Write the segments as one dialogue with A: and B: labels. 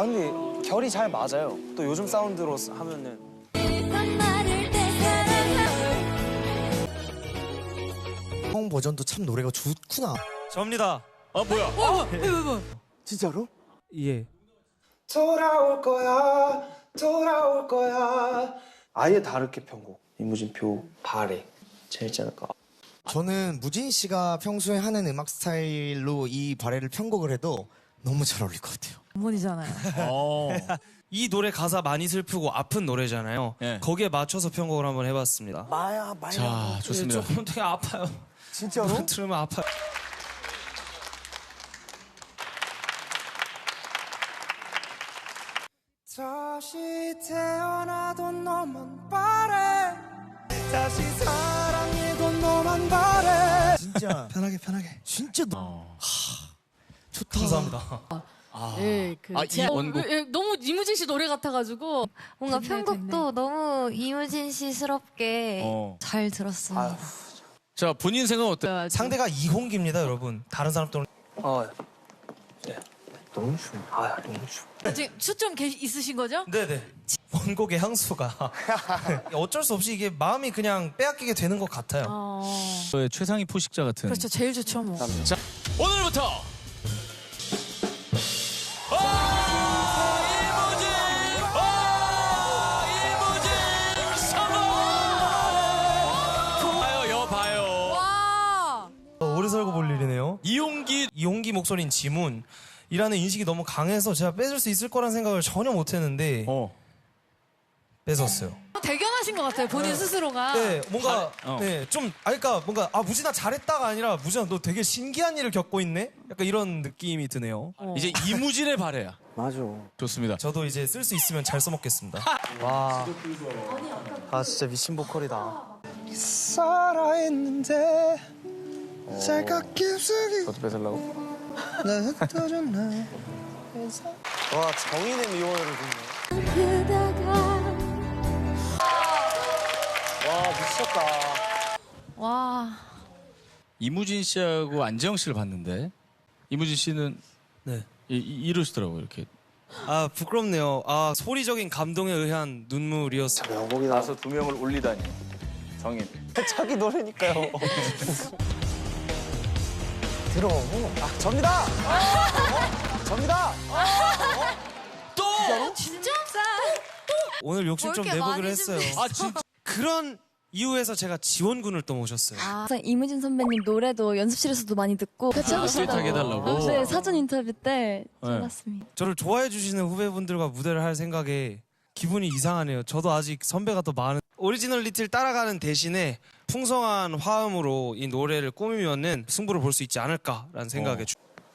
A: 아 근데 결이 잘 맞아요. 또 요즘 사운드로 하면은.
B: 형 버전도 참 노래가 좋구나.
A: 접니다.
C: 아 뭐야?
B: 진짜로?
A: 예. 돌아올 거야, 돌아올 거야. 아예 다르게 편곡. 이무진표 발에 제일 짧을까.
B: 저는 무진 씨가 평소에 하는 음악 스타일로 이 발레를 편곡을 해도 너무 잘 어울릴 것 같아요.
D: 전문이잖아요.
A: 이 노래 가사 많이 슬프고 아픈 노래잖아요.
C: 네.
A: 거기에 맞춰서 편곡을 한번 해봤습니다.
B: 마야.
C: 자 좋습니다.
A: 조금 되게 아파요.
B: 진짜로?
A: 들으면 아파요. 다시 태어나도 너만 바래. 다시 사랑해도 너만 바래.
B: 진짜
A: 편하게.
B: 진짜 좋다.
A: 감사합니다.
D: 네,
C: 이 원곡.
D: 너무 이무진 씨 노래 같아가지고
E: 뭔가
D: 됐네,
E: 편곡도 너무 이무진 씨스럽게 잘 들었어요.
C: 자 본인 생각 어때?
A: 상대가 이홍기입니다, 여러분. 다른 사람 또는. 네. 너무 추워. 너무 추워.
D: 지금 수좀 있으신 거죠?
A: 네네. 원곡의 향수가 어쩔 수 없이 이게 마음이 그냥 빼앗기게 되는 것 같아요.
C: 최상위 포식자 같은.
D: 그렇죠, 제일 좋죠 뭐.
C: 자 오늘부터 이무진 성공! 봐요.
D: 와.
A: 오래 살고 볼 일이네요.
C: 이용기
A: 목소리인 지문이라는 인식이 너무 강해서 제가 뺏을 수 있을 거란 생각을 전혀 못했는데 뺏었어요.
D: 대견하신 것 같아요, 본인 스스로가.
A: 네, 뭔가
C: 잘해.
A: 좀 그러니까 뭔가 무진아 잘했다가 아니라 무진아 너 되게 신기한 일을 겪고 있네. 약간 이런 느낌이 드네요.
C: 이제 이무진의 발해야.
A: 맞아.
C: 좋습니다.
A: 저도 이제 쓸 수 있으면 잘 써먹겠습니다. 와, 진짜 미친 보컬이다. 살아있는데 짤깍 깊숙이 저도 뺏으려고? 와, 정인의 미워요를 듣네. 와, 미쳤다.
E: 와.
C: 이무진 씨하고 안재영 씨를 봤는데 이무진 씨는
A: 네.
C: 이러시더라고요 이렇게.
A: 부끄럽네요. 소리적인 감동에 의한 눈물이었어요. 명곡이다.
F: 가서 두 명을 올리다니. 정인.
A: 자기 노래니까요. 들어. 접니다. 접니다.
C: 또
D: 진짜?
A: 오늘 욕심 좀
E: 뭘 이렇게
A: 내보기로
E: 많이
A: 했어요.
C: 진짜.
A: 그런 이유에서 제가 지원군을 또 모셨어요.
G: 이무진 선배님 노래도 연습실에서도 많이 듣고 같이 하고 싶다고.
C: 듀엣하게 해달라고.
G: 네, 사전 인터뷰 때 전했습니다.
A: 저를 좋아해 주시는 후배분들과 무대를 할 생각에 기분이 이상하네요. 저도 아직 선배가 더 많은 오리지널리티를 따라가는 대신에 풍성한 화음으로 이 노래를 꾸미면은 승부를 볼 수 있지 않을까라는 생각에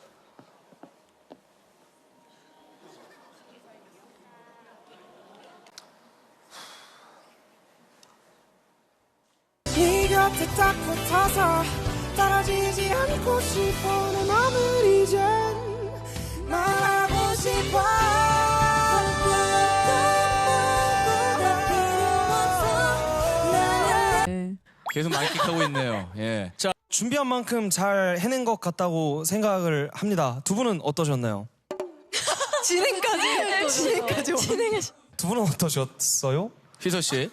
H: 네 곁에 딱 붙어서 떨어지지 않고 싶어 내 맘을 이젠 말하고 싶어
C: 계속 만끽하고 있네요. 예. 자
A: 준비한 만큼 잘 해낸 것 같다고 생각을 합니다. 두 분은 어떠셨나요?
D: 진행까지.
A: 두 분은 어떠셨어요?
C: 휘서 씨.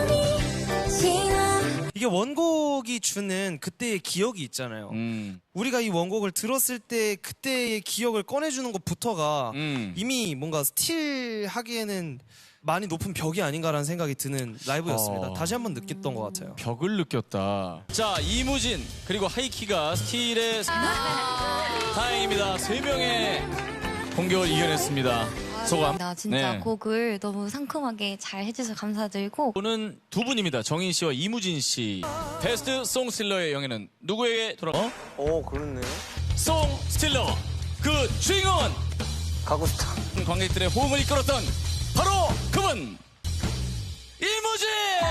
A: 이게 원곡이 주는 그때의 기억이 있잖아요. 우리가 이 원곡을 들었을 때 그때의 기억을 꺼내주는 것부터가 이미 뭔가 스틸하기에는 많이 높은 벽이 아닌가라는 생각이 드는 라이브였습니다. 다시 한번 느꼈던 것 같아요.
C: 벽을 느꼈다. 자 이무진 그리고 하이키가 스틸의 다행입니다. 3명의 공격을 이겨냈습니다. 소감.
E: 나 진짜
C: 네.
E: 곡을 너무 상큼하게 잘 해줘서 감사드리고
C: 오는 두 분입니다. 정인 씨와 이무진 씨. 베스트 송스틸러의 영예는 누구에게 돌아가?
A: 그렇네.
C: 송스틸러 그 주인공은
A: 가고 싶다.
C: 관객들의 호응을 이끌었던 바로 그분 이무진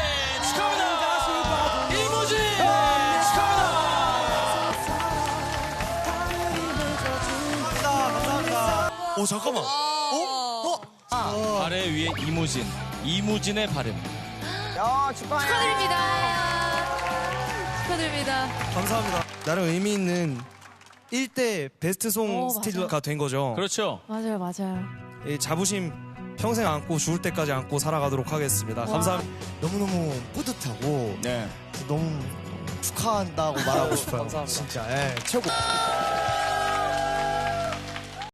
C: 축하합니다. 이무진 축하합니다.
A: 잠깐만.
C: 발에 위에 이무진의 발음.
D: 축하드립니다.
A: 감사합니다. 나름 의미 있는 1대 베스트 송 스틸러가 된 거죠.
C: 그렇죠.
D: 맞아요.
A: 이 자부심 평생 안고 죽을 때까지 안고 살아가도록 하겠습니다. 감사합니다.
B: 너무너무 뿌듯하고
C: 네.
B: 너무 축하한다고 말하고 싶어요.
A: 감사합니다.
B: 진짜 예, 최고.